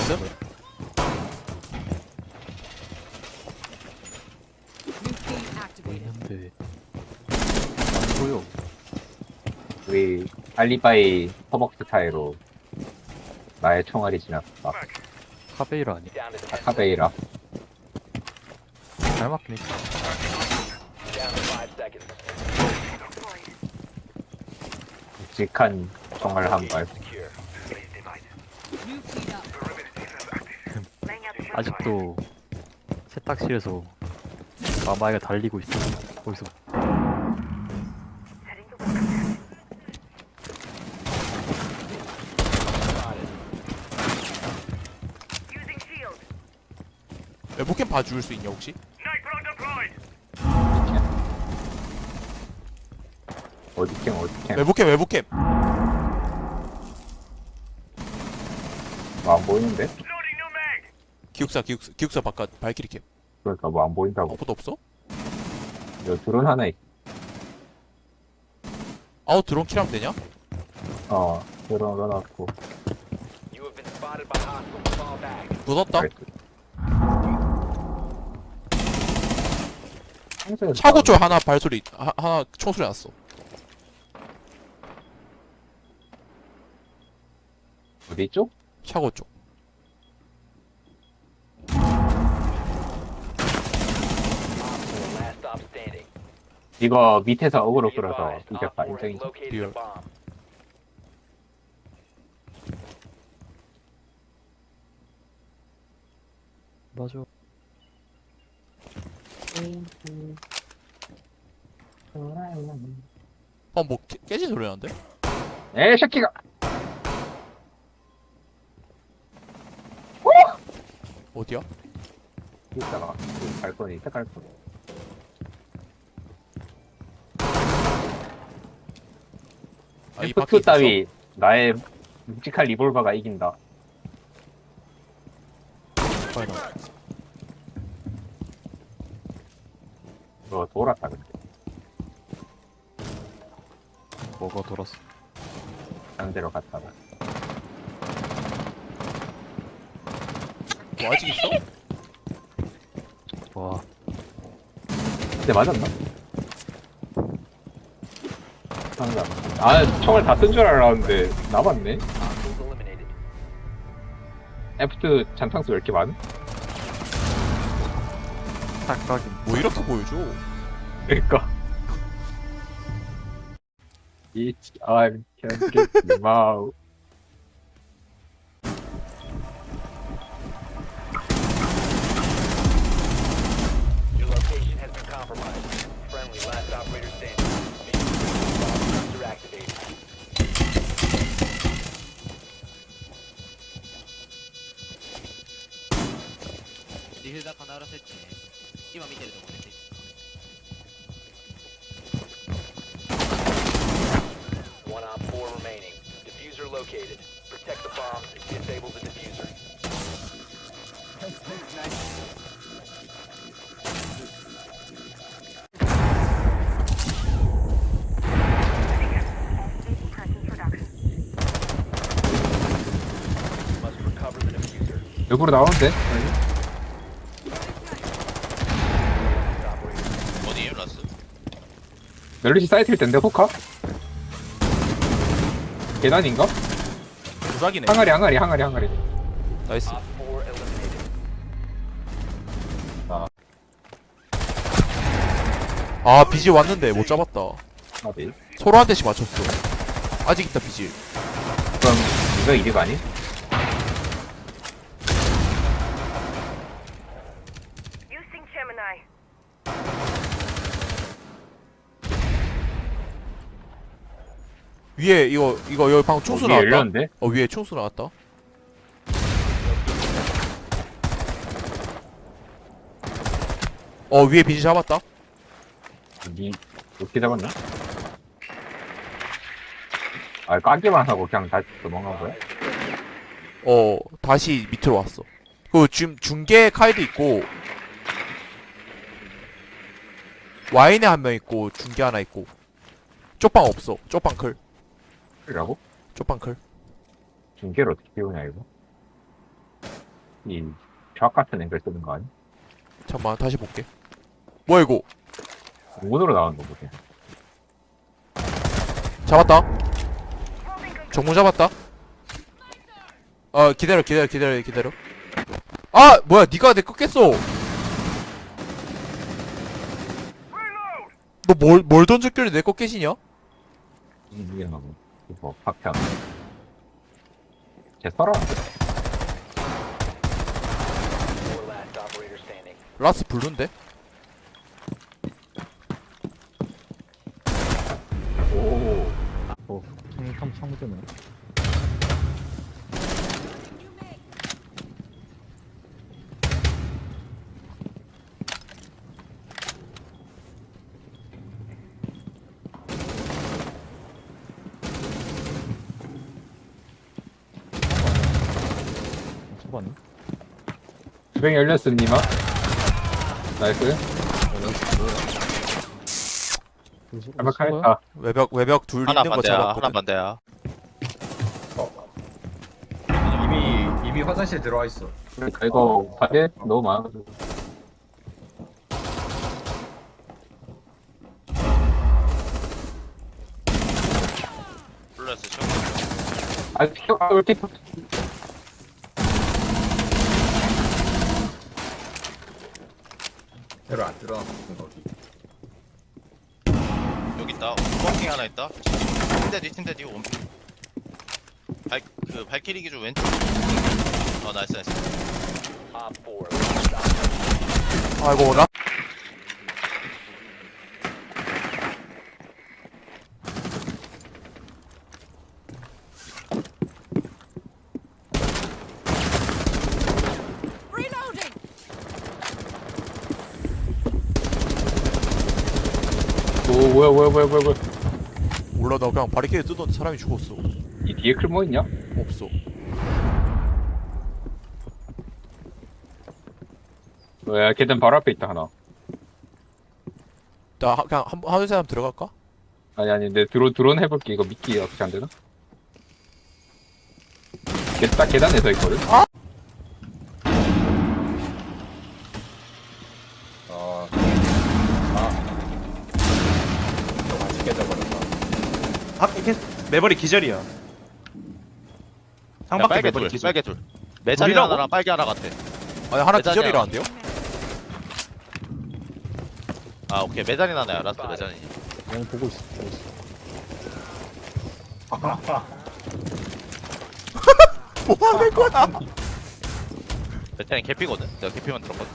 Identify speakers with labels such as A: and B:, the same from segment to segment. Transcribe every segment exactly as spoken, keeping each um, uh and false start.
A: 나이스.
B: 보이는데 안 보여.
C: 우리 알리바이 허벅지 타이로 나의 총알이 지났다.
B: 카베이라 아니야?
D: Down to ten
C: 아카베이라.
B: 잘 맞긴 했지.
D: down to five seconds.
C: 묵직한 총알 한 발.
D: Secure.
B: 아직도 세탁실에서 마마이가 달리고 있어. 거기서
A: 외부캠 봐줄 수 있냐 혹시?
C: 어디 캠 어디 캠.
A: 외부캠 외부캠.
C: 뭐 안 보이는데?
A: 기숙사 기숙사 기숙사 바깥 발키리 캠.
C: 그러니까 뭐 안 보인다고.
A: 아무것도 없어?
C: 여기 드론 하나 있.
A: 아우 드론 킬하면 되냐?
C: 어 드론 넣어놨고.
D: You have been spotted by hostiles. Fall back.
A: 묻었다.
C: 평소에
A: 차고 쪽 하나 발소리 하, 하나 총소리 났어.
C: 어디 있죠?
A: 차고 쪽.
D: Last stop standing.
C: 이거 밑에서 어그로
D: Be
C: 끌어서
D: advised, Op
C: 이겼다
D: four has
C: 인정이죠?
D: located
A: Deal.
D: a bomb.
B: 맞아.
A: 어뭐 깨진 소리 나는데?
C: 에이 새끼가.
A: 어디야?
C: 이따가 그 발코니 있다 발코니.
A: 아, 이
C: 에프
A: 밖에
C: 투 따위 나의 묵직한 리볼버가 이긴다.
B: 빨리 나.
C: 이거 돌았다 근데.
B: 뭐가 돌았어?
C: 상대로 갔다가.
A: 뭐 아직 있어?
B: 와,
C: 근데 맞았나? 상대 아 총을 다 쓴 줄 알았는데 남았네.
D: Hostiles eliminated.
C: 에프 투 잔탕수 왜 이렇게 많은?
B: 딱딱이.
A: 뭐 이렇게 보여줘?
C: 그니까. It's I'm Kendrick Lamar.
D: Your location has been compromised. Friendly, last operator standing. Bombs are activated.
E: ディフューザー必ず設置ね。今見てるところで設置。
D: One op four remaining. Diffuser located. Protect the bombs and disable the diffuser. Must recover the diffuser.
C: 역으로 나오는데?
D: Operator.
F: 어디에요 라스?
C: 멜리시 사이트일 텐데 호카? 계단인가?
A: 부작이네.
C: 항아리 항아리 항아리 항아리.
A: 나이스.
D: Op four eliminated.
A: 아 비질 왔는데 못 잡았다.
C: 어디?
A: 서로 한 대씩 맞췄어. 아직 있다 비질.
C: 그럼 이거 이득 아니?
G: Using Gemini.
A: 위에 이거 이거 여기 방금 총수
C: 위에
A: 나왔다.
C: 열렸는데?
A: 어 위에 총수 나왔다. 어 위에 비질 잡았다.
C: 니 어떻게 잡았나? 아 까기만 하고 그냥 다시 도망간 거야?
A: 어 다시 밑으로 왔어. 그 지금 중계 카이드 있고 와인에 한 명 있고 중계 하나 있고 쪽방 없어. 쪽방 클.
C: 그러고?
A: 쪽방 클.
C: 중계를 어떻게 배우냐 이거? 이쫙 같은 앵글 쓰는 거 아니?
A: 잠깐만 다시 볼게. 뭐야 이거?
C: 문으로 나오는 거 보세요.
A: 잡았다. 정문 잡았다. 어 기다려 기다려 기다려 기다려. 아 뭐야 니가 내 꺾겠어. 너 뭘 뭘 던졌길래 내 꺾겠이냐?
C: 이게 나고 이거 박편. 제 써라.
D: Four last operator standing.
A: 라스 블루인데?
C: 오.
B: 어, 참, 참, 참되네. 초반이?
C: 주뱅이 열렸어 니마. 나이스. 잘막하겠다.
A: 외벽 외벽 둘
E: 하나
A: 있는 거
E: 반대야.
A: 잡았거든.
E: 하나 반대야.
F: 이미 이미 화장실에 들어와 있어.
C: 그러니까 이거 바에 너무 많아가지고.
E: 플러스 쇼.
C: 아 피켜 아 이렇게
F: 들어 안 들어. 거기.
E: 여기 있다. 워킹 하나 있다. 팀대 뒤 팀대 뒤 원핑. 발그 발키리 기준 왼쪽. 어 나이스 나이스.
D: Op four last operator.
A: 아이고 라.
C: 오 뭐야 뭐야 뭐야 뭐야 뭐야.
A: 몰라 나 그냥 바리케이드 뜯었는데 사람이 죽었어.
C: 이 뒤에 클모 있냐?
A: 없어.
C: 뭐야 계단 바로 앞에 있다 하나.
A: 나 하- 그냥 한 한두 사람 들어갈까?
C: 아니 아니 내 드론 드론 해볼게. 이거 미끼 어떻게 안 되나? 계단 계단에 서 있거든.
F: 어. 아. 너 같이 깨져버렸다.
H: 아, 이게 매버리 기절이야.
E: 야,
H: 상밖에
E: 빨개
H: 매버리
E: 둘.
H: 기절.
E: 빨개 둘. 매자리
H: 둘이라고?
E: 하나랑 빨개 하나 같아.
A: 아니 하나
E: 대단이야.
A: 기절이라는데요?
E: 아 오케이 매자리 하나야. 라스트 매자리.
B: 그냥 보고 있어, 보고 있어.
A: 뭐 하는 거야?
E: 매자리 개피거든. 내가 개피만 들었거든.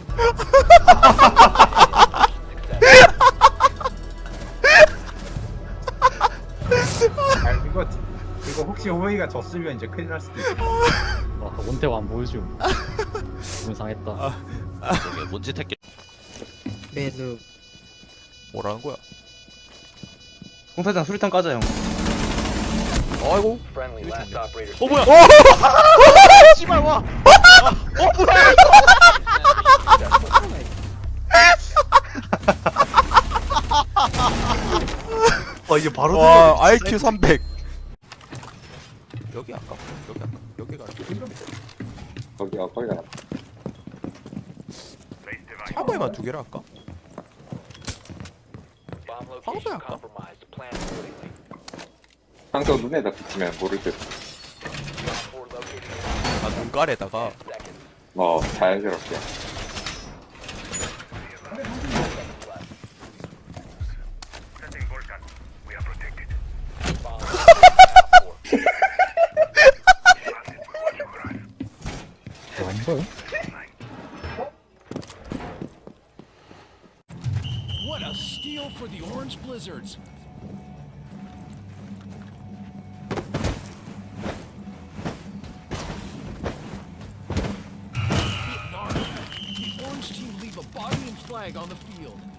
F: 아 이거 이거 혹시 호이가 졌으면 이제 큰일 날 수도 있어.
B: 와, 원태가 안 보여줌. 기분 상했다.
E: 저게 뭔지 택게.
A: 뭐라는 거야?
H: 홍사장 수류탄 까자 형.
A: 아이고.
D: Friendly last operator.
E: 어 뭐야? 씨발 와.
H: 와 이제 바로
A: 와 아이큐 삼백. 여기 아까 여기 아까 여기가
C: 거기가 거기가.
A: 차고에만 두 개를 할까?
D: Bomb location
A: 방수야, 아까.
D: compromised. Plan accordingly.
C: 상도 눈에다 비치면 모를 듯.
D: Op four located.
A: 아 눈깔에다가
D: ten seconds.
C: 뭐 자연스럽게.
D: Bomb
B: 와, 안 보여?
I: What a steal for the Orange Blizzards. The Orange team leave a body and flag on the field.